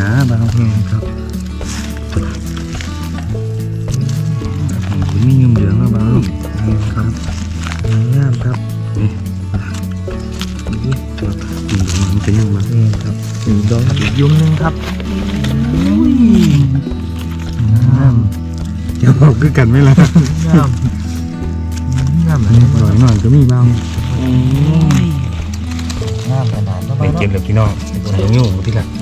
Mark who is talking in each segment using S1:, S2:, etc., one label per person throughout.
S1: นะบางครับมียุ่งเหยิงแล้วบางลูกครับงามครับนี่มันเป็นยังไงครับดอกยุ่งนึงครับงามจะบอกคือกันไหมล่ะงามหน่อยก็มีบ้างงามขนาดนั้นไม่เก็บเลยพี่น้องใส่ยุ่งที่ละ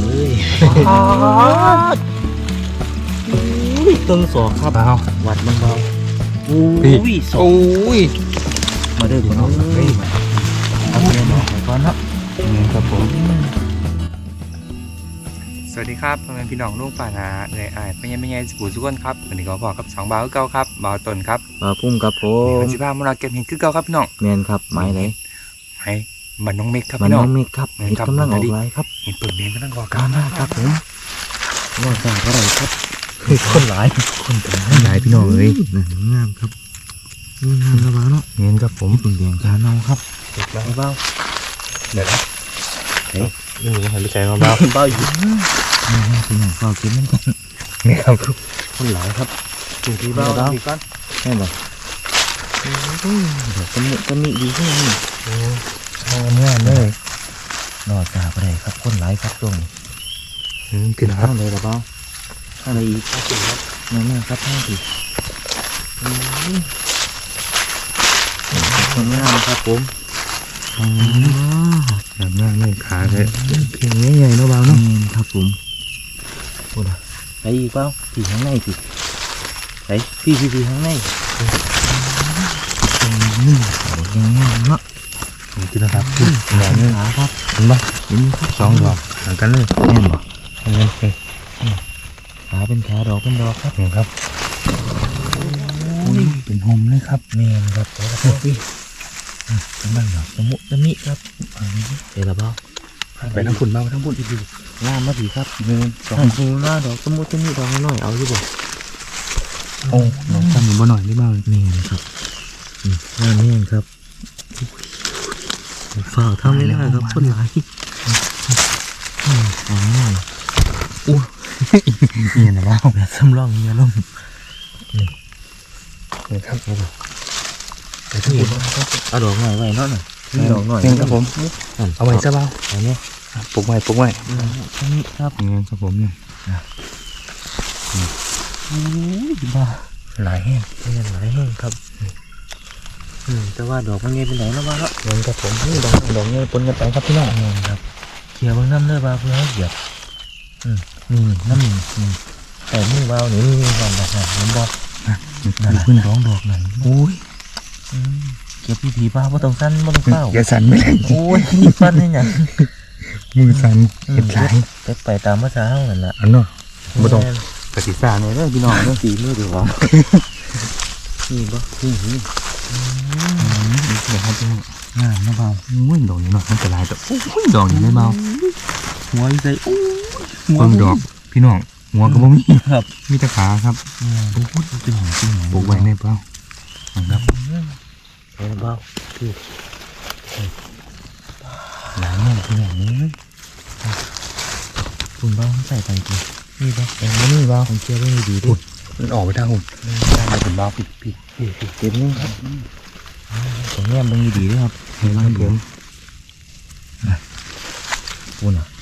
S1: ต้นสอกครับวัดมันเบาอุ้ยสอกมาเด้อพี่น้องเฮ้ยเอาเงินออกไปก่อนครับนี่ครับผมสวัสดีครับพ่อแม่พี่น้องลุงป่านาเลยเป็นยังสกู่สุกนครับวันนี้ก็พอกับ2บ่าวเก่าครับบ่าวต้นครับ
S2: บ่าวพุ่มครับผม
S1: สิพามาเราเก็บเห็ดคือเก่าครับพี่น้อง
S2: แมนครับไม้ไหน
S1: ไม้มันน้องเมฆครับ
S2: มัน
S1: พี่น้อง
S2: น้องเมฆครับเห็ดกำลังออกลายครับ
S1: เห็ดเปิดเลี้ยงกำลังออก
S2: กันครับผมว่าจะอะไรครับคนหลาย
S1: พี่น้องเลย
S2: งามครับงามนะบ้าเนาะ
S1: เงี้ยครับผม
S2: เปลี่ยนจานเอาครับ
S1: เบาเดี๋ยวนะนี่มันหันไปใจเบา
S2: อยู่พี่น้องก็กินนั่นกัน
S1: นี่ครับ
S2: คนหลายครับ
S1: ดูที่เบาดีก่อน
S2: แม่บอกจะมีดีขึ้นนี่
S1: เมื่อเลย
S2: นอจ่าไปเลยครับคนหลายครับตรง
S1: กินครับ
S2: เลยหรือเปล่าอะไรอีกครับนั่นครับท่านสิคนงามครับผม
S1: แบบหน้าไม่ขาเลยเพียงใหญ่ๆเนาะเบาเนาะ
S2: ครับผมโอ้ยไปอีกเปล่าผีข้างในสิไปพี่ข้างในยังงามเนาะ
S1: กินแล้วครับ
S2: หน่อยนึงครับ
S1: เห็นปะเห็น2 ดอกห่างกันเลย
S2: แน่นบ่
S1: ขา
S2: เป็นขาดอกเป็นดอกครับ
S1: ครับเป็นหอมเลยครับ
S2: แม่นครับเป็นบ้างดอกสมุตมิครับเดี๋ยวเราบ้า
S1: ไปทั้งฝุ่นบ้างทั้งฝุ่นดี
S2: งามมาดีครับ1 2หน้าดอกสมุตมิดอกน้อยเอาอยู่บ่
S1: โอ้น้องทำเหมือนบ่หน่อยได้บ้าง
S2: แม่นครับงามแม่นครับฝ่าทำไม่ได้ครับคนหลาย
S1: ง่ายอู้นี่นะว่า
S2: แบบสำรองเงี้ยล่ม
S1: นี่ครับ
S2: แต่ที่เอาดอกหน่อยไว้เนาะดอกหน่อย
S1: นี่ครับผมเอาไว้ซะเบา
S2: อันนี้
S1: ปลูกไว้
S2: นี่ครับ
S1: นี่ครับผมเนี่ย
S2: บ้าหลายแห้งครับแต่ว่าดอกมันเงี้ยเป็นไหนแล้วบ้าเนาะ
S1: เงินครับผมนี่ดอกเงี้ยปนกันไปครับพี่น้อง
S2: ครับเขี่ยบางน้ำเนื้อบ้าเพื่อให้เหยียบนี่น้ำแต่มือเบาหรือก่อนดอกหน่อยน้ำบอก
S1: ขึ้นร้องดอกหน่อย
S2: โอ้ยเก็บผีบ้าว่าต้องสั้นว่าต้องเฝ้า
S1: อย่าสั่นไม่ได้
S2: โอ้ยฟันนี่ไง
S1: มือสั่นเก็บหลาย
S2: ไปตามภาษาห้องนั่นแหละ
S1: อันเนาะไม่ต้องปฏิสารเนี่ยเรื่องพี่น้องเรื่อง
S2: ตีมือถือว่านี่บ่นี่
S1: เดี๋ยวครับพี่น้องงามนะเบาอุ้ยดอกนี้เนาะมันจะลายแต่อุ้ยดอกนี้ไม่เบา
S2: หัวใจ
S1: เพิ่งดอกพี่น้องหัวก็บ่มี
S2: ครับ
S1: มีแต่ขาครับ
S2: โอ้โหจริง
S1: ปลูกไว้ในเปล่าครับ
S2: ในเปล่าคือ
S1: หลายแง่พี่น้องนี้
S2: คุณเปล่าใส่ไปกี่
S1: นี่เปล่านี่เปล่า
S2: ผมเชื่อว่าดีดิ
S1: มันออกไปทางหุ่นได้ถึงเบาปิด
S2: เต็มนี่ครับผมแง้มมันดีด้วยครับ
S1: เห็นไหมผม
S2: คุณอ่ะ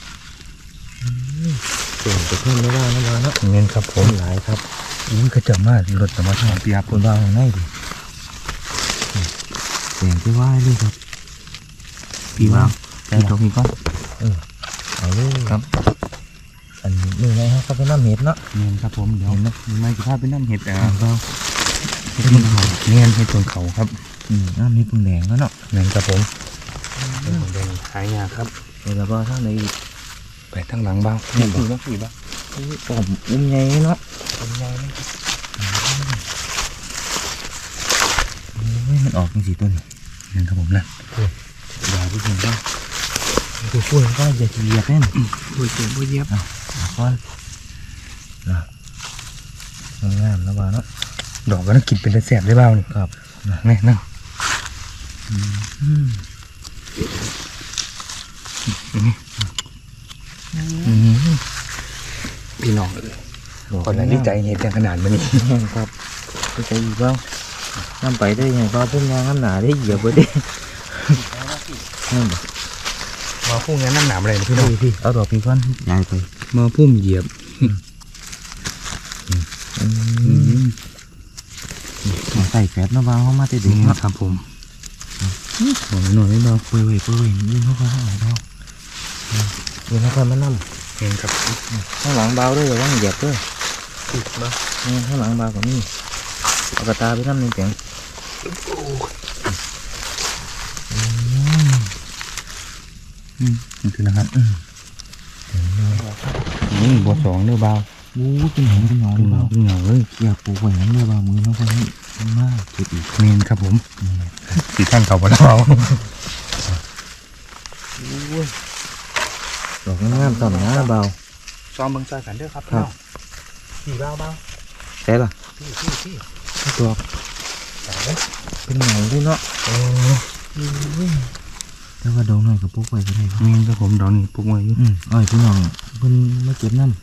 S2: เปลี่ยนไปเพิ่มไม่ได้นะบ้าเนาะ
S1: เงินครับผม
S2: หลายครับ
S1: อุ้ยกระจับมากรถสมาร์ทโฟนเปียบ
S2: คุณบ้าของง่ายดิเปลี่ยนไปว่าเลยครับ
S1: พี่ว่าพี่ตรงนี้ก็
S2: เอาเลย
S1: ครับ
S2: อันนี้ไงครับก็เป็นน้ำเห็ดเนาะ
S1: เงินครับผมเดี๋ยวไม่กี่ภาพเป็นน้ำเห็ด
S2: เรา
S1: เห็ดเขาเงินเห็ดตัวเขาครับ
S2: น้ำมีปุ่มแดงแล้วเนาะ
S1: เงินครับผมแดงหายาครับ
S2: เดี๋ยวเราทางไหน
S1: ไปทางหลังบ้างนี่บ้าง
S2: ผมใหญ่เนาะ
S1: ใหญ่
S2: มันออกเป็นสีต้น
S1: เงินครับผมนะ
S2: อย่าพูดถึงว่าพูดว่าอย่าเหยียบแน่น
S1: พูดถึงพูดเหยียบ
S2: ก้อนงามแล้วบ้าเนาะ
S1: ดอกก็ต้องกินเป็นแสบได้บ้างนี่
S2: ครับ
S1: นี่นั่งพี่น้องคนละดีใจเห็นจังขนาดมันนี่
S2: ครับดีใจอีกบ้างน้ำไปได้ยังบ้าพุ่งงานน้ำหนาได้เหยียบไว้ได้นั่นบ่
S1: มาพุ่งงั้นน้ำหนามอะไรพี่น้อง
S2: พี่เอาดอกพี่ก้อนย้ายไป
S1: มาพุ่มเหยียบ
S2: ใส่แฟบนะบ้าเข้ามาแต่เด็ก
S1: นี่
S2: เนาะ
S1: ครับผมหน่อยไม่เบา
S2: เปื่อยยืนเข้าไปข้างหลังเรายืนเข้าไปมานั่ง
S1: เห็นครับ
S2: ข้างหลังเบาด้วยอย่าว่างเหยียบด้วย
S1: ติดมา
S2: นี่ข้างหลังเบากับนี่เอากระตาไปทำหนึ่งเสียง
S1: นี่คือนะครับนี่บัวสองเนื้อเบา
S2: วู้เป็นหงเป็นหง
S1: เป็นเงา
S2: เบา
S1: เป็นเงาเลย
S2: อยากปลูกไว้งั้นเลยเบามือน้องคนนี้มากจุดอีก
S1: เมนครับผมสีท่านเขาบ่เบา
S2: ดอกงามๆต่ำนะเบา
S1: ซ้อมเบิ่งซอยกันเด้อครับ
S2: ครับ
S1: พี่เบาเบา
S2: ใช่ล่ะ
S1: พี่
S2: ดอกเป็นหงด้วยเนาะ
S1: โอ้
S2: แต่ว่าดอกหน่อยกับปลูกไว้ก็ได้ครับ
S1: เมนครับผมดอกนี้ปลูกไว้อยู่
S2: อ้อยพี่น้องเพิ่นมาเก็บน้ำ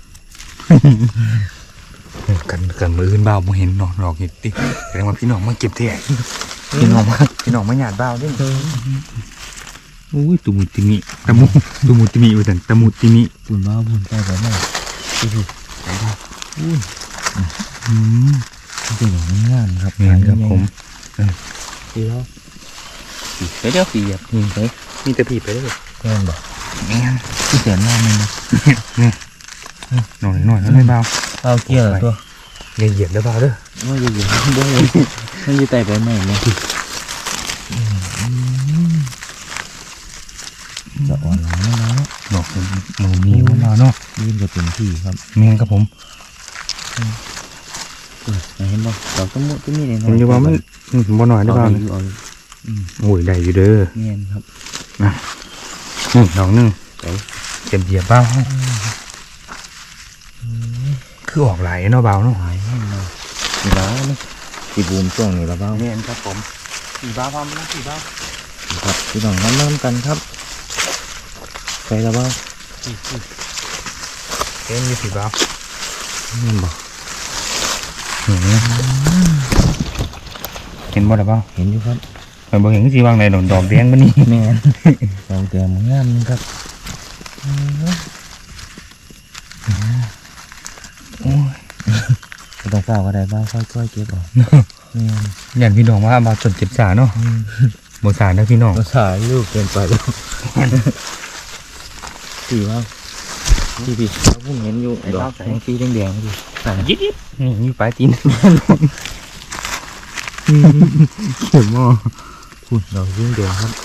S1: กันมืออื่นเบาบ่เห็นเนาะดอกเห็ดติแสดงว่าพี่น้องมาเก็บแท้พี่น้องมาหยาดเบาเด้อุ้ยตุมุติมิตะมุตุมุติมิว่าซั่นตะมุติมิ
S2: ปุ่นบ้าปุ่นใต้แบบนั้นดูอุ้ย
S1: อืม
S2: เป็นอย่างงามครับ
S1: เมนครับผม
S2: ดีแล้ว
S1: เดี๋ยวปีอ่ะนี่เฮ้ยมีแต่ผีไปเลย
S2: แม่นบ่
S1: แม่น
S2: ที่แสนน้ำมัน
S1: หน่อยแล้วไม่เบา
S2: เอาเกี่ยวตัว
S1: อย่าเหยียบแล้วเบาเด้อ
S2: ว่าอยู่บ่เลยมันอยู่ใต้ใบไม้เนี่ยจะอ่อนหลังแล้วเนาะ
S1: ดอกหนูมีมันเนาะ
S2: ยืนกับเป็นที่ครับ
S1: เมนครับผม
S2: เห็นบ่ดอกต้นมุต้นมีเลย
S1: ผมจะว่ามันบ่หน่อยได้เบา
S2: อยู่เอา
S1: โอ้ยได้อยู่เด้อ
S2: เงี้ยครับ
S1: ดอกนึงเจ็บเหยียบเบาคือออกไหลเนาะเบาเนาะ
S2: หายแห้งเลยสีบ้าไหมสีบูมช่วงนี้ละบ้า
S1: เมนครับผมสีบ้าพร้อมนะสีบ้า
S2: ครับพี่น้องน้ำกันครับใส่ละบ้า
S1: เอ็นมีสีบ้า
S2: เห็นบ่
S1: เห็นบ่ได้เปล่า
S2: เห็นอยู่ครับ
S1: เห็นบ่เห็นสีวางในดอกแดงมันนี่
S2: แม่นดอกแก้มงามนี่ครับ
S1: โอ้ย
S2: ไม่ต้องเฝ้าก็ได้บ้างค่อยๆเก็บออกแม่น
S1: อย่างพี่น้องว่ามาจนเจ็บสาเนาะบ่สานะพี่น้อง
S2: ภาษาลูกเกินไปแล้วสีว่าพี่เราพุ่งเห็นอยู่ดอกของสีแดงๆดิ
S1: ยิบนี่มีปลายตีนเข็มอ่ะ
S2: คุณดอกสีแดงครับ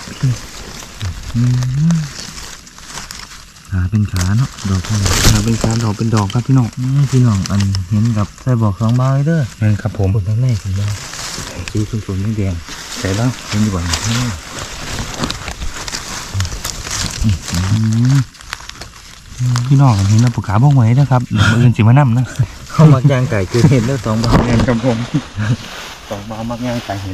S2: ขาเป็นขาเนาะดอกเป็น
S1: เป็นการดอกเป็นดอกครับพี่น้อง
S2: พี่น้องอันเห็นกับใส่บอก2ใบเด้อ
S1: นั่นครับผม
S2: คนทั้งในสีแดงสีสุ่มๆแดง
S1: ใส่บ้าง
S2: เห็นอยู่บ่นี่
S1: พี่น้องเห็นแล้วปากกาบ้องไว้นะครับเดี๋ยวมืออื่นสิมานั่นะ
S2: เข้ามาย่างไก่เกิดเห็นแล้ว2ใบ
S1: เงินครับผมสองบามักง่ายใส่เห็ด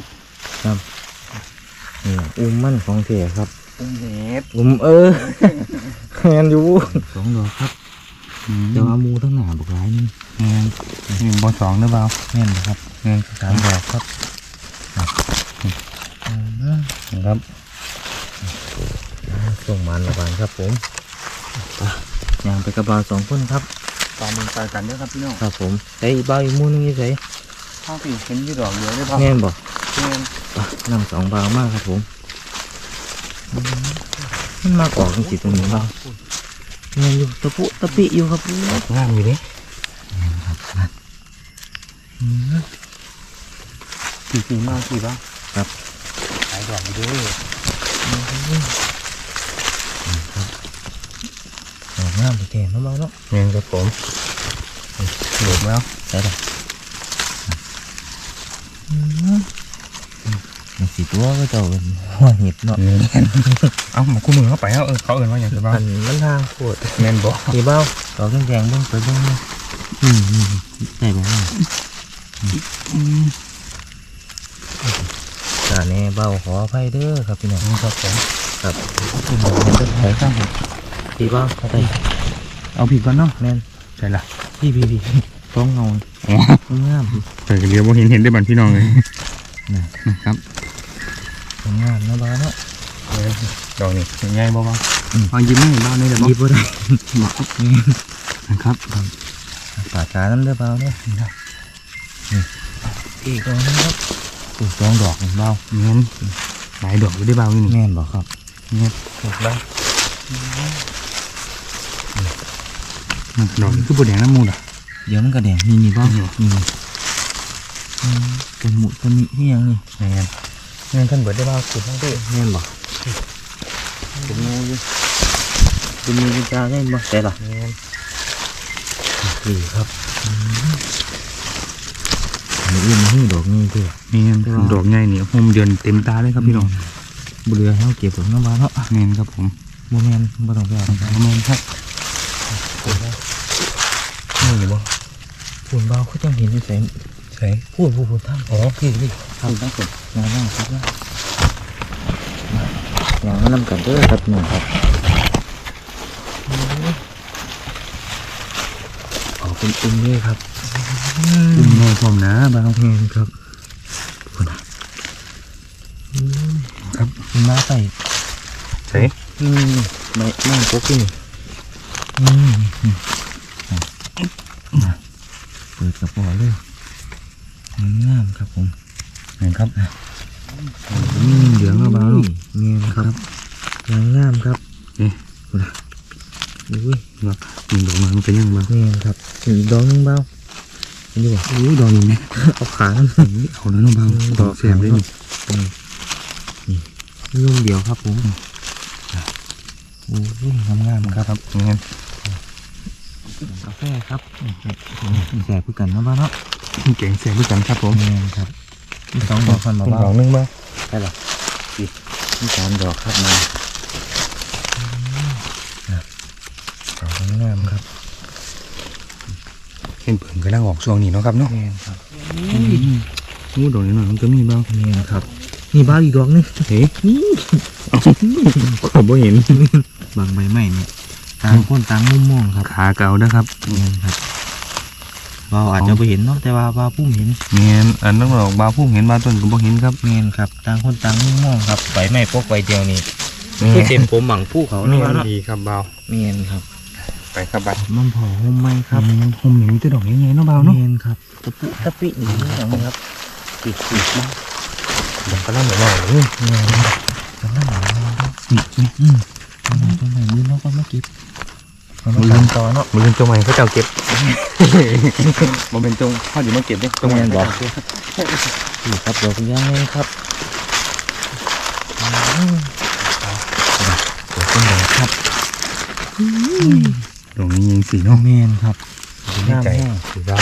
S2: นี่อุ้มมันของเสียครับ
S1: เห็ด
S2: อุ้มแมนอยู่2ดอกครับแต่ว่ามูทั้งหน้าบอกหลายนี่
S1: เงินนี่บอสองหรือเปล่า
S2: แม่นนะครับ
S1: เงิน
S2: 3ดอกครับ
S1: ครับ
S2: ส่งมันระบายครับผมย่างไปกระบา2คนครับ
S1: ตามมันใส่กันเด้อครับพี่น้อง
S2: ครับผมใส่ใบอีกมูนึงนี่ใส่
S1: ข้าวผีเห็นยี่ดอกเยอะได้ป่ะ
S2: แม่นบอก
S1: เงิน
S2: นำ2บาทมากครับผมมันมากออกจริงๆตรงนี้บ้างแม่นอยู่ตะปุตะปิอยู่ครับ
S1: งามอยู่ดิสีมากสีบ้าง
S2: ครับ
S1: ขายดอกอยู่ด้วย
S2: ดอกงามไปแก่มาบ้างเนาะ
S1: เงินครับผมหลุดแล้ว
S2: ใส่ละมันสีตัวก็เจ้าเป็นหัวเห็ดเนาะ
S1: เอามาคู่มือเข้าไปเอาเขาเอินว่าอย่างไรบ้าง
S2: อันมันทางโคตร
S1: แมนบอก
S2: สีเบ้าดอกแดงๆเบ้างไปเบ้างเนาะใส่บ้างตาแน่เบ้าขออภัยเด้อครับพี่น้อง
S1: ครับผม
S2: ครับ
S1: ที่บอกเงินจะแพ้ข้างผม
S2: สีเบ้าใส่
S1: เอาผิดก่อนเนาะ
S2: แม่น
S1: ใช่ละ
S2: พี่ต้องเงา
S1: อ๋อ
S2: งาม
S1: เปิดกันเดียวว่าเห็นได้บันพี่น้องเลยนะครับ
S2: งามนะบ้านเนาะ
S1: ดอกนี่ง่ายบ้างฟังยิ้มให้บ้านได้เลยบ้าง
S2: ยิบบ่ได้
S1: บอกนะครับ
S2: ป่าช้าน้ำเด้อเบาเนี่ยอีกดอกนึงครับถูกสองดอกเบา
S1: เงี้ยหลายดอกอยู่ได้เบานี่
S2: แม่นบอกครับ
S1: เงี้ยถูกแล้วดอกนี่คือบัวแดงน้ำมูดอ่ะ
S2: เดี๋ยวมันกระแดงนี่บ้างนี่ตัวหมุตัวนี้ที่ยังนี่
S1: เงี้ยเงี้ยขึ้นเบิดได้เบาสุดทั้งที่
S2: แม่นบอกตัวงูอยู่ตัวมีกุญแจได้บ่แต่ละ
S1: เงี้ย
S2: นี่ครับนี่อื่นมาให้ดอกนี้เถอะ
S1: เงี้ยดอกใหญ่นี่โฮมเดือนเต็มตาเลยครับพี่น้อง
S2: บุเรือให้เขาเก็บดอกน้ำบานเนาะ
S1: เงี้ยครับผม
S2: โมแมนบ่ต้องไปเอา
S1: ประมาณครับนี่บ่
S2: ฝุ่นเบาเขาจังเห็นอยู่ใส่
S1: ใช่
S2: พูดทั้ง
S1: อ๋อพี่พี่
S2: ทั้งฝนงานนั่งครับอย่างนั้นนำกันเด้อครับหนุ่มครับออกเป็นอุ้มเลยครับ
S1: อุ้มน้อยพร้อมนะเบา
S2: แม่นครับคุณครับมาใส่
S1: ใช่
S2: ไม่พกที่นี่เปิดกระป๋อเลยงามครับผม
S1: เห็นครับเหลืองเบา
S2: เงี้ยครับงามครับ
S1: นี่
S2: คุณอุ้ย
S1: แบบมันดอกมันเป็นยังบ้าง
S2: เงี้ยครับถึงดอกนึงเบานี่บ่
S1: อุ้ยดอกนี้เนี่ย
S2: เอาขานั่น
S1: เอาแล้วน้องเบาดอกแสบเลยนี่
S2: นี่ลูกเดียวครับผมโอ้ยงามๆครับ
S1: ครับเงี้ย
S2: กาแฟครับแสบคือกันนะบ้านเนาะ
S1: เก่งแสบด้วยกันครับผม
S2: เงี้ยครับสองดอกพันมาบ้า
S1: ดอกนึงบ้าง
S2: ใช่หรอนี่สามดอกครับมาดอกงามครับ
S1: เห็นเปิ่นก็นั่งออกช่วงนี้เนาะครับเนาะ
S2: เงี้ยครับ
S1: อู้ดอกนี้หน่อยมันก็มีบ้าง
S2: เงี้ยครับนี่บ้าอีกดอกนึง
S1: เฮ้ยขอบเห็น
S2: บางใบไม้เนี่ยต่างคนต่างมุมมองครับ
S1: ขาเก่านะครับ
S2: เงี้ยครับเราอาจจะไปเห็นเนาะแต่ว่าพุ่มเห็น
S1: เงี้ยอันนั้นดอกบาพุ่งเห็นบาต้นก็บ่เห็นครับ
S2: เงี้ยครับต่างคนต่างมุมมองครับใบไม้พกใบเดียวนี่คือเต็มผมหมังผู้เขา
S1: นี่
S2: เนาะ
S1: ดีครับเบา
S2: เงี้ยครับ
S1: ไปครับบัด
S2: มันผอมไหมครับ
S1: ผมเห็นมีแต่ดอกใหญ่ๆเนาะเบาเนาะ
S2: เงี้ยครับตะปินี่นะครับปิดมาก
S1: ดอกกระลำหน่อยเลย
S2: เงี้ยจังหวะนี่จังหวะยืนแล้วก็มาเก็บมาลืมต่อเนาะ
S1: มันเป็นตรงไหนเขาเจ้าเก็บมันเป็นตรงพ่ออยู่มาเก็บเนี่ยตรงไหนบอก
S2: นี่ครับดอกย่างเลยครับดอกต้นดอกครับ
S1: ตรงนี้ยิงสีเนาะ
S2: เมนครับ
S1: ในใจสีดาว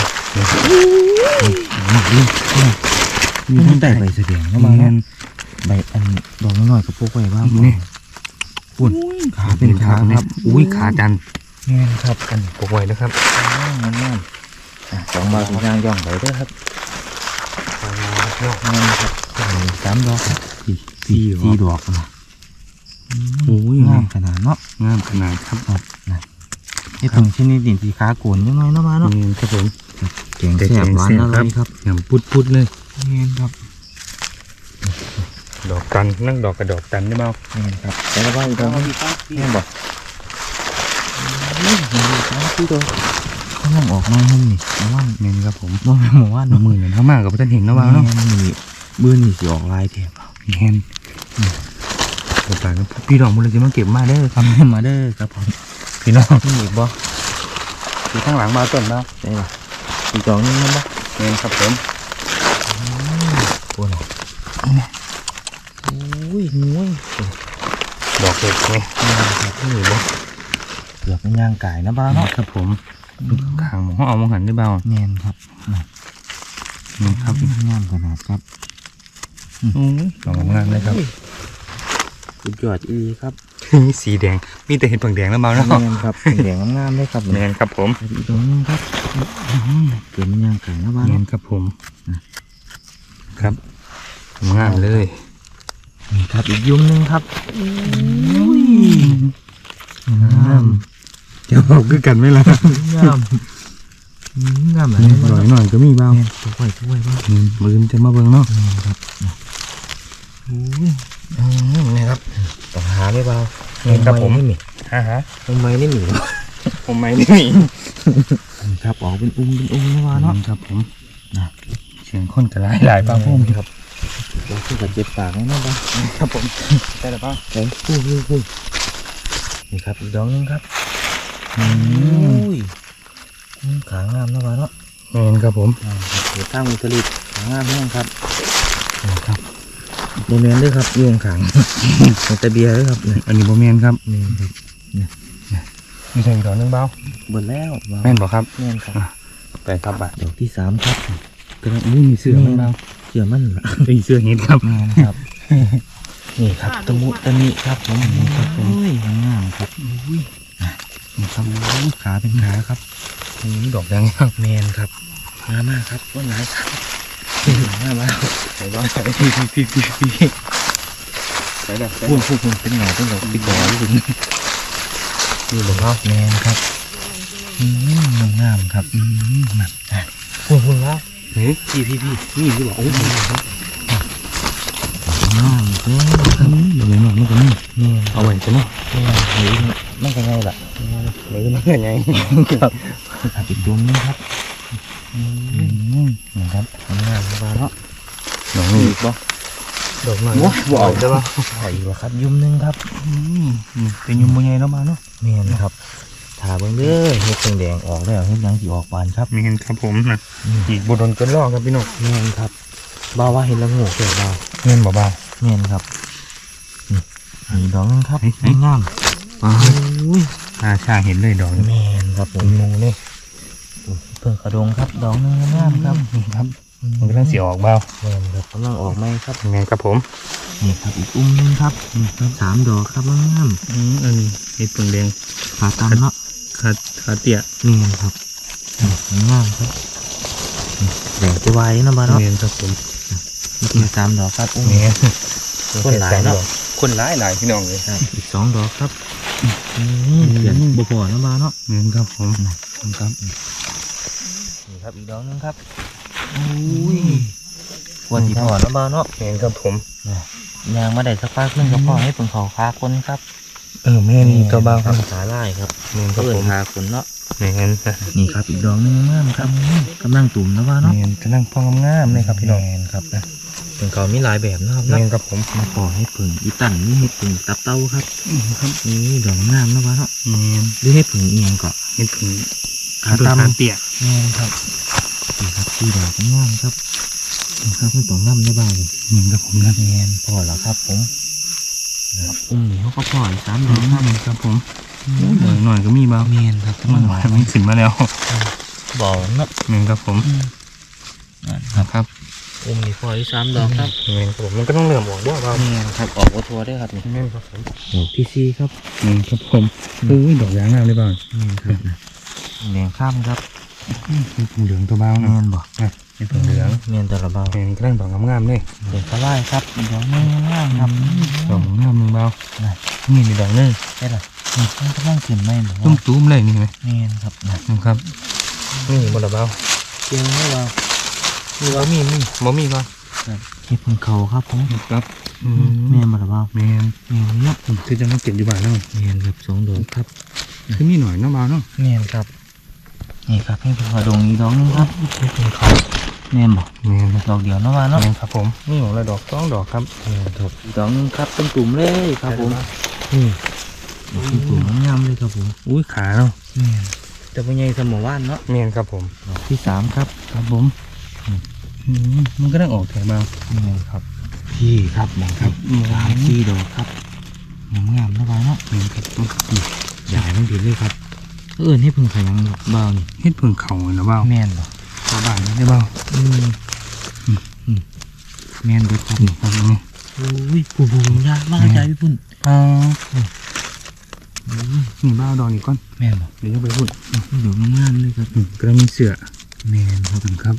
S2: มีทั้งแต่ใบเสดียงเข้ามาเนาะใบอันดอกน้อยๆกับพวกใบบ้าง
S1: นี่
S2: ปุ่นขาเป็นขาครับ
S1: อุ้ยขาจัน
S2: เมนครับ
S1: กันปกไว้นะครับ
S2: งามสองบาทย่างย่องไปด้วยครับงามครับสามดอกครับสี่ดอกนะโอ้ยงามขนาดเนาะ
S1: งามขนาดครับ
S2: ครับนะนี่ถึงชนิดดินสีขาโกนยังไงเนาะมาเนาะ
S1: นี่ครับผม
S2: แกงแซ่บหวานอะไรครับ
S1: ยำพุดๆเลย
S2: เมนครับ
S1: ดอกตันนั่งดอกกระดอกตันได้เปล่า
S2: เมนครับแต่ละบ้านอีกดอกแม่บอกพี่ดอกเขาลองออกมาหุ่มนี่แต่ว่า
S1: เมนครับผม
S2: บ่แม่นหมู่ว่าน
S1: น้ำมือเนี่ยเขามากกับท่านเห็นนะว่าเนาะ
S2: นี่บื้อนี่สิออกลายแถบ
S1: เมนเดี๋ยวไปครับพี่ดอกมันเลยจะมาเก็บมาได้อครับ
S2: มาเด้อครับผม
S1: พี่น้อง
S2: นี่อีกบ่
S1: อยู่ข้างหลังมาต้นเปล่า
S2: ได้ป่ะอีกดอกนึงนั่นบ่
S1: เมนครับผม
S2: ปวดโอ้ยงวย
S1: ดอกเห็ดไงนี่บ่
S2: เกือบเป็นย่างไก่นะบ้าเนาะ
S1: ครับผมขางหมอเอามาหันได้เปล่า
S2: แม่นครับ
S1: นี่ครับ
S2: งามขนาดครับ
S1: โอ้ยดอกงามเลยครับ
S2: สุดยอดอีครับ
S1: สีแดงมีแต่เห็ดผงแดงแล้วเปล่าเนาะ
S2: แม่นครับเป็นแดงงามๆเลยครับ
S1: เมนครับผม
S2: อีกดอกนึงครับเกิดเป็นย่างไก่นะบ้า
S1: เม
S2: เนาะ
S1: นครับผมครับงามเลย
S2: นี่ครับอีกยุ่มนึงครับงาม
S1: ใจจะบอกคือกันไหมล่ะ
S2: งามงาม
S1: หน่อยหน่อยก็มีบ้าง
S2: ช่วยบ้าง
S1: มือจะมาเบิ่งเนาะ
S2: ครับนี่ครับต้องหาไม่เบา
S1: นี่มีฮะ
S2: ทำไมนี่หนี
S1: ผมไม่นี่มี
S2: ครับออกเป็นอุ้มนะว่าเนาะ
S1: ครับผมเสียงคนกระไรหลายบ้างพุ่ม
S2: ครับเราขึ้นกับเจ็บปากนะบ้าง
S1: ครับผมได้หรือเปล่า
S2: เฮ้ยพูดนี่ครับอีกดอกนึงครับขางามนะว่าเนาะ
S1: เงินครับผม
S2: เดี๋ยวตั้งมือผลิตขางามแห้งครับ
S1: ครับ
S2: โมเมนต์ด้วยครับยุงขังแต่เบียร์ด้วยครับ
S1: อันนี้โมเมนครับ
S2: นี่ครับ
S1: มีใส่ดอกนึงเบา
S2: เบิดแล้ว
S1: แม่นบอกครับ
S2: แม่นครับ
S1: ไปครับบ่า
S2: ดอกที่3ครับ
S1: กำลังมีเสื้อมันเบา
S2: เชื่อมั่นละ
S1: มีเสื้อเห็ดครับ
S2: ครับนี่ครับตะมุตะมิครับผมนี่ครับผมงามครับนี่ครับขาเป็นขาครับ
S1: ดอกยังครับ
S2: แมนครับงามมากครับต้นไหนครับงามมาก
S1: ใส่บ้างใส่พี่ใส่แบบ
S2: พูดเป็นหน่อเป็นดอกติดดอกถึง
S1: นี่บอกว่า
S2: แมนครับงามครับมาพูดแล้ว
S1: เฮ้ย
S2: พี่
S1: นี่ที่บอกโอ้ย
S2: งามเด้อ
S1: เดี๋ยวหน่อยมันก็นี่
S2: แมน
S1: เอาไว้ใช่ไหม
S2: แมนหรือไม่กันไงล่ะ
S1: หรือมันเป็นไงครับ
S2: อีกดวงนึงครับนี่ครับงามมาเนาะ
S1: ดอกนี้บ่ดอกหน่อยบ่เอาใช่ป่ะ
S2: ใช่แล้วครับยุ่มนึงครับ
S1: เป็นยุ่มยังไงเนาะมาเนาะ
S2: แมนครับถาเบิ่งเด้อเห็ดแดงๆออกแล้วเห็ดยังสิออกบานครับ
S1: มีเห็นครับผมนะอีกบุดนกันล่อครับพี่น้อง
S2: แมนครับบ่าวว่าเห็ดละโงูเกิดบ่าว
S1: เงินบ่เบา
S2: แมนครับนี่ดอกนึงครับงาม
S1: ชาเห็นเลยดอก
S2: แมนครับผม
S1: งูเลย
S2: เพิ่งกระดงครับดอกนึงงามครับ
S1: นี่ครับมันกำลังเสียออกเบา
S2: แมนครับกำลังออกไหมครับ
S1: เงินครับผม
S2: นี่ครับอีกอุ้มนึงครับ3 ดอกครับงาม
S1: อันนี้เห็ดเพิ่งแดง
S2: ขาตำเนาะ
S1: ขาเตี้ย
S2: แมนครับงามครับแดงจะไวนะบ้านเนาะ
S1: เงินครับผม
S2: มี3 ดอกครับอุ้ม
S1: เงิน
S2: คนหลายเนาะ
S1: คนหลายพี่น้องเลย
S2: อีก2 ดอกครับเขียนบ่พอนะบ้านเนาะ
S1: เงินครับผมครับ
S2: นี่ครับอีกดอกนึงครับวันที่พอนะบ้านเนาะ
S1: เงินครับผม
S2: ยางมาได้สักพักนึงก็พอให้เพิ่งเขาคาคนครับ
S1: แม่นี่ตัวเบาครับ
S2: ขาไล่ครับ
S1: เงินค
S2: ก็
S1: รับ
S2: เอิ
S1: ผ
S2: น
S1: ม
S2: คาคนเนาะ
S1: เงินนะ
S2: นี่ครับอีกดอกนึงงามครับกำลังตุ่มนะบ้านเนาะ
S1: เงินจะนั่งพองงามเลยครับพี่น้อง
S2: แมนครับเพิ่งเขามีหลายแบบนะครับ
S1: เงินครับผม
S2: มาขอให้เพิ่งอีตันนี่ให้เพิ่งตับเต้าครับนี่ดอกงามนะบ้านเนาะ
S1: เงิน
S2: หรือให้เพิ่งเอียงก็
S1: เห็ดเพิ่ง
S2: ขาตำ
S1: เตี้ย
S2: แมนครับนี่ครับที่ดอกงามครับครับไม่ต้องน้ำได้บ้าง
S1: เงินครับผมนะ
S2: แมนพอแล้วครับผมอุ้มนี่เขาก็พออีก3 ดอกครับ
S1: ครับผมหน่อยก็มีเบา
S2: แมนครับ
S1: มันไม่ขึ้นมาแล้ว
S2: บ่อเนาะ
S1: เงินครับผมครับ
S2: อุ้มนี่พออีก3 ดอกครับ
S1: เงินครับผมมันก็ต้องเริ่มออกบ่เบา
S2: แมนครับออกวัตถุได้ครับนี่
S1: เงินครับผม
S2: ดอกที่4ครับ
S1: เงินครับผมดอกยางงามเลยเบา
S2: แมนครับแดงข้ามครับ
S1: เป็นผงเหลืองตัวเบา
S2: แม
S1: นะ
S2: นบ่
S1: เป็นผงเหลือง
S2: แมนแต่ละเบา
S1: เงินก็ได้ดอกงามๆเลย
S2: เด็กก็ไล่ครับดอกนี้งามครับ
S1: ดอกงามนึงเบานี่มีดอกนึง
S2: ได้ละนี่มันกำลังขึ้นไหมหรือ
S1: ตุ้มๆเลยนี่ไหม
S2: แมนครับนะ
S1: นะครับนี่หมดแล้วเบา
S2: เจียงไม่เบา
S1: มีบ่มีบ่มีก่อน
S2: เห็ดพึ่งเขาครับผม
S1: ครับ
S2: แมนมาหรือเปล่า
S1: แมน
S2: แมนเนาะ
S1: คือจะมาเก็บอยู่บ้านเนาะ
S2: แมนครับ2 ดอกครับ
S1: คือมีหน่อยเนาะเบาเนาะ
S2: แมนครับนี่ครับให้พึ่งเขาดงอีกดอกนึงครับ
S1: เป็นเขา
S2: แมนบ่
S1: แมน
S2: ดอกเดียวเนาะว่าเนาะ
S1: แมนครับผมนี่ของเราดอก2 ดอกครับ
S2: แมนครับอีกดอกนึงครับเป็นตุ่มเลยครับผมนี่เป็นตุ่มงามเลยครับผม
S1: อุ้ยขาเนาะ
S2: แมนจะเป็นไงสมอว่านเนาะ
S1: แมนครับผม
S2: ดอกที่3ครับ
S1: ครับผมมันก็ต้องออกแถวเบา
S2: แมนครับพี่ครับมองครับ3-4 ดอกครับงามๆนะว่าเนาะ
S1: แมนครับ
S2: ใหญ่มันผิดเลยครับให้พึ่งขยังเบานี่
S1: เฮ็ดพึ่งเขานะเบา
S2: แม่นบ่
S1: ชาวบ้านไม่ได้เบา
S2: แม่นเบิดครับ
S1: นี่ครับนี่
S2: อุ้ยผู้ยากมากใจพี่พุ่น
S1: นี่เบาดอกนี่ก่อน
S2: แม่นบ่
S1: เดี๋ยวจะไปพูด
S2: ดอกงามๆเลยครับ
S1: ก็มีเสือ
S2: แม่นครับ
S1: ครับ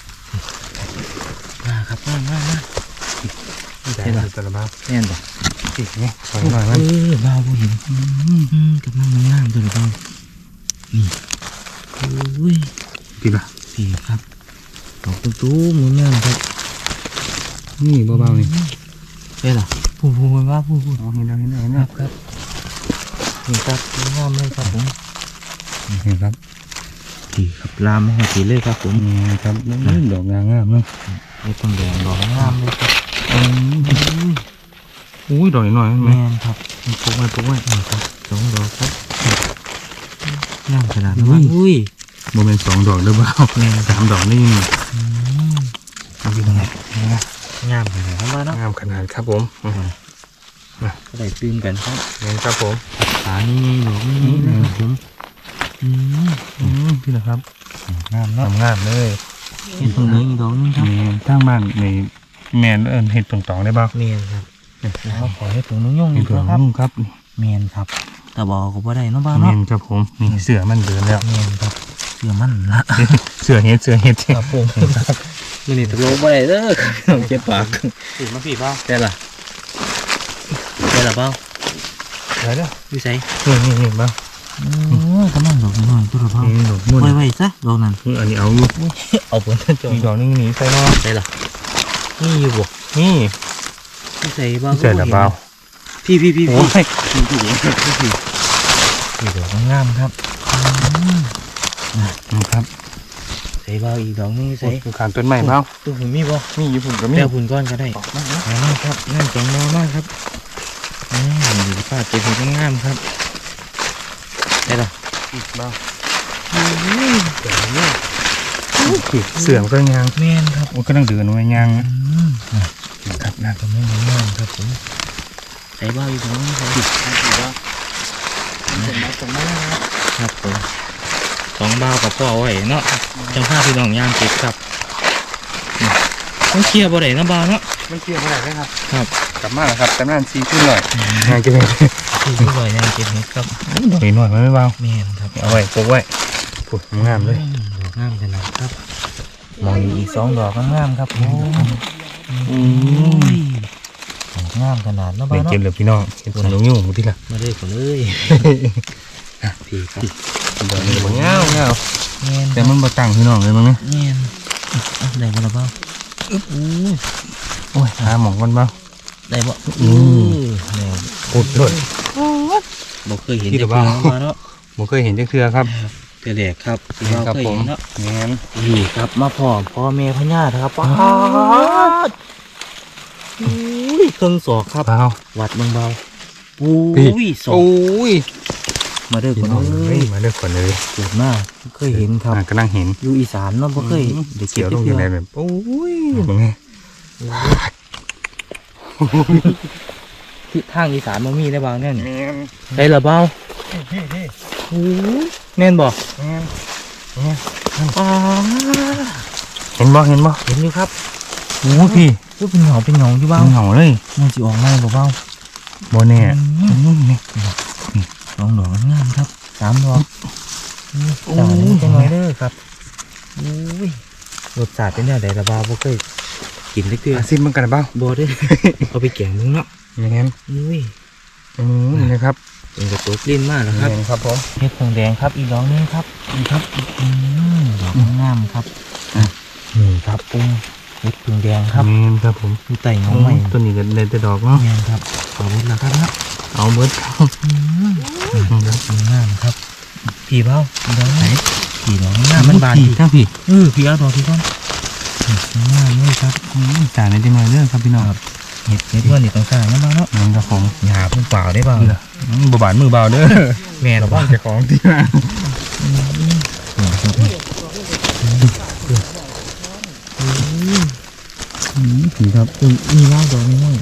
S2: มาครับมา
S1: ใช่ละแต่ละเบา
S2: แม่นบ่
S1: สินี่ถอยหน่อยมัน
S2: บ้าผู้เห็นกำลังงามตัวเบ้านี่อุ้ย
S1: พี่ปะ
S2: พี่ครับดอกตุ้มๆงามครับ
S1: นี่เบาๆนี่
S2: ได้หรอพูดว่าพูด
S1: อ๋อเห็นแล้ว
S2: ครับนี่ครับงามเลยครับผม
S1: เห็นครับ
S2: พี่ครับลามหัวสีเลยครับผม
S1: นี่ครับนี่ดอกงามเนาะ
S2: ไม่ต้องแดงดอกงามเลยครับ
S1: อุ้ยดอกหน่อยไหม
S2: แม่นครับ
S1: ปกไว้
S2: นี่ครับ2 ดอกครับงามขนาดนั้นอุ้ย
S1: โมเมนต์2 ดอกเด้อเปล่า3 ดอกนี่
S2: เอาไปตรงไหนงามขนาดนั้นเนาะ
S1: งามขนาดครับผม
S2: ก็ได้ตื่นกันครับ
S1: นี่ครับผม
S2: ขานี่หนูนี่นะครับผม
S1: พี่นะครับ
S2: งามเนาะ
S1: งามเลย
S2: เห็นตรงนี้อีกดอกนึงครับ
S1: นี่ทางบ้านในแมนเห็ดตองๆได้บ้าง
S2: เมียนครับแล้วขอให้ถุงนุ่ง
S1: เห็
S2: อี
S1: ด
S2: ก
S1: ตอง
S2: นะครับ
S1: ครับ
S2: เมียนครับแต่บอกก็บ่ได้เนาะบ้าน
S1: แม
S2: เนาะ
S1: นครับผมนี่เสือมันเดินแล้ว
S2: เมียนครับเสื้อมันละ
S1: เสือเห็ด
S2: ครับผมมันนี่ตกลงบ่ได้เด้อเจ็บปาก
S1: สีมาสีบ้าง
S2: ได้ล่ะได้ล่ะเปล่า
S1: อะไรเด้อ
S2: วิสัย
S1: นี่บ้าง
S2: กำลังดอกน้อยตัวละเปล่า
S1: นี่ดอกมุ่น
S2: ไว้ซะดอกนั้น
S1: อันนี้เอาอยู่
S2: เอาผลท่านจง
S1: อีกดอกนึงหนีใส่นอ
S2: ได้ล่ะนี่อยู่บ่
S1: นี่
S2: วิสัยบ้า
S1: ใส่ละเปล่า
S2: พี่
S1: โอ้ย
S2: นี่ดอกงามครับ
S1: นะครับ
S2: ใส่เบาอีกดอกนึงใส่
S1: ขานต้นใหม่เปล่า
S2: ตัวหุ่นมีบ่
S1: มีอยู่ผมก็มี
S2: แก้วหุ่นก้อนก็ได้มากครับงามจังมากครับดูป้าเจ็บหุ่นงามครับได้ล่ะ
S1: บ้างเสือมันก็ยาง
S2: แม่นครับ
S1: มันก็ต้องเดินไว้ยางครับนะ
S2: กำลังงามครับผมใส่เบาอีกดอกนึงใส่ครับผม2 เบากับพ่อไว้เนาะจังผ้าพี่น้องย่างเก็บครับต้องเคลียร์บ่ได้นะเบาเนาะ
S1: มันเกี่ยวอะไรไหมครับ
S2: ครับ
S1: กลับมาแล้วครับแต่นั่นซีขึ้นหน่อยงานจะเป็น
S2: ที่บ่อยย่างเก็บเห็ดครับ
S1: ดอกหน่อยไม่เบา
S2: แม่นครับ
S1: เอาไว้ปกไว้ปุ๊บงามเลย
S2: ดอกงามขนาดครับมองอีก2 ดอกงามครับโอ้ยดอกงามขนาดเนาะ
S1: ไป
S2: บ้าเนาะ
S1: เก็บเลยพี่น้องเก็บขนมยุ่งที่ละ
S2: มาเลยก่อนเลยพี่ครับ
S1: ดอกนี้มันเงา
S2: แม่น
S1: แต่มันบ่ตั้งพี่น้องเลยมั้งเนี่ย
S2: แม่นได้บ่ล่ะเบ้า
S1: โอ้ยหาหมองกันบ้าง
S2: ได้บ่ได้
S1: อุดเลย
S2: บ่เคยเห็น
S1: ที่
S2: จั
S1: ละ
S2: ก
S1: บ้า
S2: เทื่อเนาะ
S1: ผมเคยเห็นจักเทือครับ
S2: เทื่อแรกครับที่เรา
S1: ครับ
S2: เคย
S1: ผ
S2: เห็
S1: ม
S2: นเนาะ
S1: งั้น
S2: นี่ครับมาพ่อแม่พญาครับป้าดเครื่องศอกครับ
S1: เบา
S2: วัดเบาๆอุ้
S1: พี่
S2: ยศอก
S1: โอ้ย
S2: มาเด้อ
S1: พี่
S2: คน
S1: น้อง
S2: เล
S1: เฮ้
S2: ย
S1: ยมาเลือกก่อนเลย
S2: เกิดมาเคยเห็นครับ
S1: กำลังเห็น
S2: อยู่อีสานเนาะบ่เคยได้
S1: เขี
S2: เก็
S1: ยว
S2: บ
S1: ลง
S2: เทื่
S1: ยังไง
S2: อ
S1: แบบโอ้ยเป็นไง
S2: ที่ทางอีสานบ่มีได้บางแน่นี่
S1: แม่น
S2: ได้ละเบ้า
S1: พี่
S2: โอ้ยแม่นบ่
S1: แม่น
S2: อ๋อ
S1: เห็นบ่เห็นบ่
S2: เห็นอยู่ครับ
S1: โอ้พี่
S2: ว่าเป็นเหงาอยู่บ้าง
S1: เหงาเลย
S2: มันสิออกมาบ่เบ้า
S1: บ่แน่นี่
S2: 2 ดอกงามครับ3 ดอกจังจังหน่อยเด้อครับอุ้ยรสชาติเป็นแนวใดละเบ้าบ่เคยกินได้เทื่อ
S1: อาซิมมันกันบ้าง
S2: บ่ได้ เอาไปแกงมึงเนาะ
S1: แม่น
S2: อุ้ย
S1: นะครับ
S2: เป็นกระตุกลิ้นมากแล้วครับ
S1: แม่นครับผม
S2: เห็ดผงแดงครับอีกดอกนึงครับนี่ครับดอกงามครับนี่ครับเห็ดผงแดงครับ
S1: แม่นครับผม
S2: อยู่ใต้เงาไม้
S1: ต้นนี้ก็ได้แต่ดอกเนาะ
S2: แม่นครับขอบคุณนะครับนะ
S1: เอาเบิดครับ
S2: ดอกงามครับผีเบ้าดอกไหนผีดอกงามมันบาน
S1: พี่ทั้งพี่
S2: ผีเอาดอกที่ก้อนงามเลยครับ
S1: จ่ายในจังหน่อยเด้อครับพี่น้อง
S2: เห็ดว่านี่ต้องการนะบ้างเนาะ
S1: แม่นครับผม
S2: หยาบมันเปล่าได้บ้าง
S1: บ่บาดมือเบาเด้อ
S2: แม่น
S1: เรา
S2: บ้า
S1: บ้าง งเจ้าของที่มาผีครับ
S2: มีว่างดอกน้อย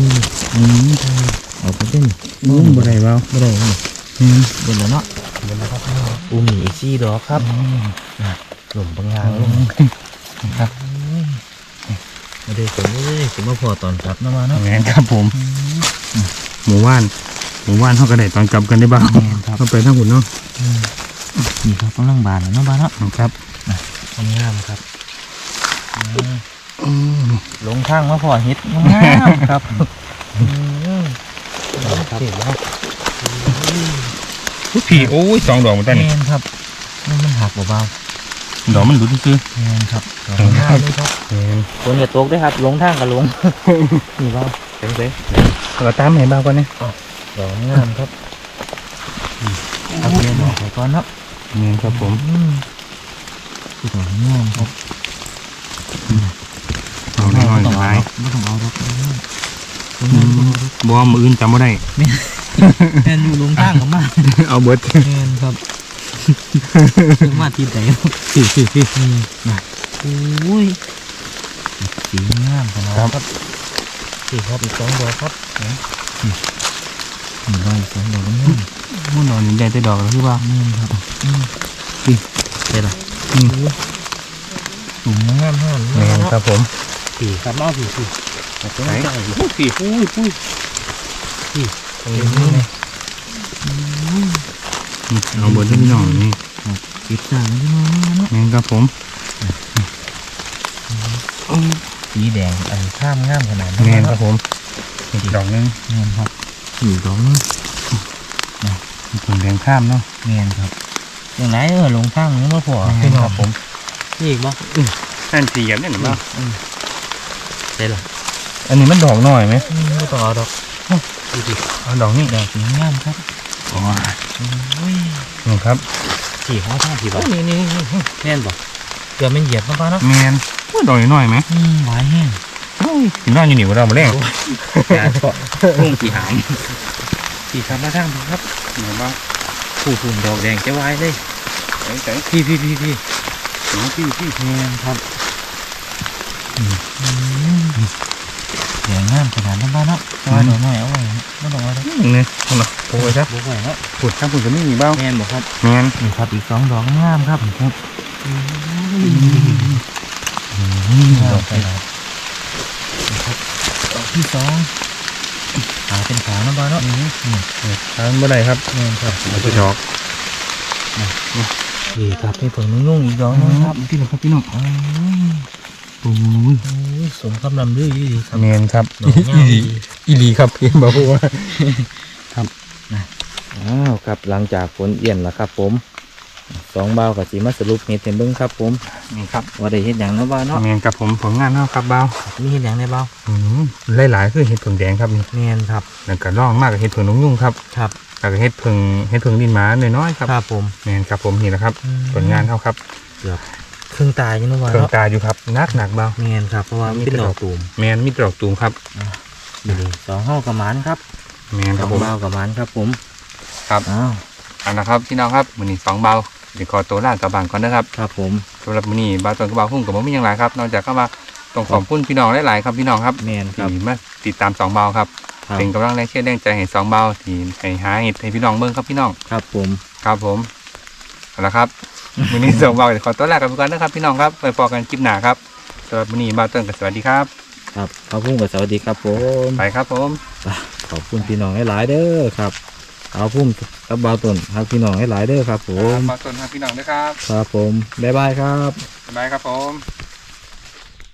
S2: เอาไปเต้น
S1: บ่ได้เบา
S2: ไม่ได้เดี๋ยวเนาะมีอีก4 ดอกครับหล่มบางงานลง
S1: ครับ
S2: มาดูผมเลยผมมาพอตอนกลับนะมาเนาะ
S1: แม่นครับผมหมู่บ้านเขาก็ได้ตอนกลับกันได้บ้าง
S2: แม่นครับ
S1: เขาไปทั้งหุ่นเนาะ
S2: นี่ครับกำลังบานเนาะบ้านเนาะ
S1: ครับ
S2: งามครับลงทางมาพอเฮ็ดงามครับครับ
S1: พี่โอ้ยสองดอกเหมือนกัน
S2: แม
S1: นี่
S2: นครับมันหักเบา
S1: ดอกมันดูซื่อ
S2: ๆแมนครับดอกงามเลยครับ
S1: แม่น
S2: ฝนอย่าตกด้วยครับลงทางกับลง นี่เบาเจ๋ง
S1: เราตามให้บ้างก่อนนะ
S2: ๆดอกงามครับเอาเรียนดอกไปก่อนเนาะ
S1: แม่นครับผม
S2: คือดอกงามครับ
S1: เอาหน่อยๆหลาย
S2: ไม่ต้องเอาดอก
S1: บ่มืออื่นจำบ่ได้
S2: แมนอยู่ลงทางกับมา
S1: เอาเบิด
S2: แมนครับมาทีไหนนะโอ้ยสีงามขนาดครับสีครับอีก2 ดอกครับนี่ได้อีก2 ดอกนี่
S1: มันดอกใหญ่แต่ดอกแล้วคือว่า
S2: นี่ครับเดี๋ยวละสูงงามมาก
S1: แม่นครับผม
S2: สีครับเอาสี
S1: ไหนโอ้พี่ปุ้ยปุ้ย
S2: ตรงนี้ไง
S1: เอาเบิดให้พี่น้องนี่
S2: สีจางที่มาเนาะ
S1: แม่นครับผม
S2: สีแดงอันข้ามงามขนาด
S1: แม่นครับผมอีกดอกนึง
S2: แมนครับอยู่ดอกนึง
S1: ผงแดงข้ามเนาะ
S2: แมนครับอย่างไรลงทางนี้มาพอ
S1: แม่นครับผม
S2: นี่อีกบ่
S1: นั่นสีแบบนี้หรือเปล่า
S2: ใช่หรอ
S1: อันนี้มันดอกหน่อยไหม
S2: ไม่ต้องเอาดอกดูดิ
S1: เอาดอกนี่
S2: ดอกสีงามครับ
S1: อ๋อ
S2: อุ้ย
S1: นี่ครับ
S2: สีห้องท่าสีบ่นี่แม่นบ่เกือบไม่เหยียบป้าเนาะ
S1: แมนว่าดอกน้อยไหม
S2: หวานแห้ง
S1: กินน้าอยู่นี่ว่าเรามาแรง
S2: ยาเกาะพุ่งสีหามสีครับมาทางครับ
S1: เห็นป่ะ
S2: ผู้ดอกแดงจะวายเลย
S1: ใส่
S2: พี่
S1: พี่พี่
S2: แม่นครับแดงงามขนาดนั้นบ้าเนาะแต่ว่าดอกน้อยเอาไว้ไม่ต้องเอาดอก
S1: เนี่ยเอาละโอ้ยครับ
S2: บุกไว้เนาะ
S1: ขุดครับขุดจะไม่มีเบ้า
S2: แม่นบ่ครับ
S1: แมน
S2: นี่ครับอีก2 ดอกงามครับครับดอกไปแล้วครับดอกที่2ขาเป็นขาเนาะบ้าเนาะนี่
S1: ทานเมื่อไรครับ
S2: แม่นครับ
S1: เอาไปดอก
S2: นี่ครับนี่ผงนุ่งอีกดอกนึงครับ
S1: พี่น้องครับพี่น้องโอ้ย
S2: สมคำนำดื้อดีครับ
S1: แมนครับ
S2: ดอกงามดี
S1: อีหลีครับพี่บอกว่า
S2: อ้าวครับหลังจากฝนเอี่ยนแล้วครับผม2 บ่าวกับสีมาสรุปเห็ดเห็นเบิ้งครับผม
S1: นี่ครับ
S2: ว่าได้เห็ดอย่างเนาะบ่าวเนาะ
S1: แมนกับผมผลงานเท่าครับเบ้า
S2: มีเห็ดอย่างในบ่าว
S1: หลายๆคือเห็ดผึ่งแดงครับนี่
S2: แมนครับ
S1: แล้วก็ร่องมากกับเห็ดผึ่งนกยุ่งครับ
S2: ครับ
S1: แล้วก็เห็ดผึ่งดินหมาน้อยๆครับ
S2: ครับผม
S1: แมนครับผมนี่แหละครับผลงานเท่าครับ
S2: ครึ่งตายอยู่เนาะบ่าว
S1: เครื่อง
S2: เนาะ
S1: ตาอยู่ครับหนักเบ้า
S2: แมนครับเพราะว่าเป็นดอกตูม
S1: แมนมีดอกตูมครับ
S2: นี่2 ห้องกับหมานครับ
S1: แมนครับผม
S2: 2 บ่าวกับหมานครับผม
S1: ครับ
S2: อ้าว
S1: อันนะครับพี่น้องครับมือนี้2 เบาเดี๋ยวขอตัวลากลับบ้านก่อนนะครับ
S2: ครับผม
S1: สำหรับมือนี้เบาตนกับเบาพุ่งกับผมมีอย่างไรครับนอกจากก็มาต้องขอบคุณพี่น้องหลายๆครับพี่น้องครับ
S2: แมนค
S1: ที่
S2: รับ
S1: มาติดตาม2 เบาครับ
S2: ครับ
S1: เป็นกำลังแรงเชื่อแรงใจให้2 เบาที่ให้หาเห็ดให้พี่น้องเบิ่งครับพี่น้อง
S2: ครับผม
S1: ครับผมเอาละครับ มือนี้2 เบาเดี๋ยวขอตัวลากันไปก่อนนะครับพี่น้องครับไปพอกันคลิปหน้าครับสำหรับมือนี้เบาต้นกับสวัสดีครับ
S2: ครับขอบคุณกับสวัสดีครับผม
S1: ไปครับผม
S2: ขอบคุณพี่น้องหลายๆเด้อครับเอาพุ่มกับบ่าวต้นครับพี่น้องหลายๆเด้อครับผม
S1: เบาต้นครับพี่น้องด้วยครับ
S2: ครับผมบ๊ายบายครับ
S1: บ๊ายบายครับผม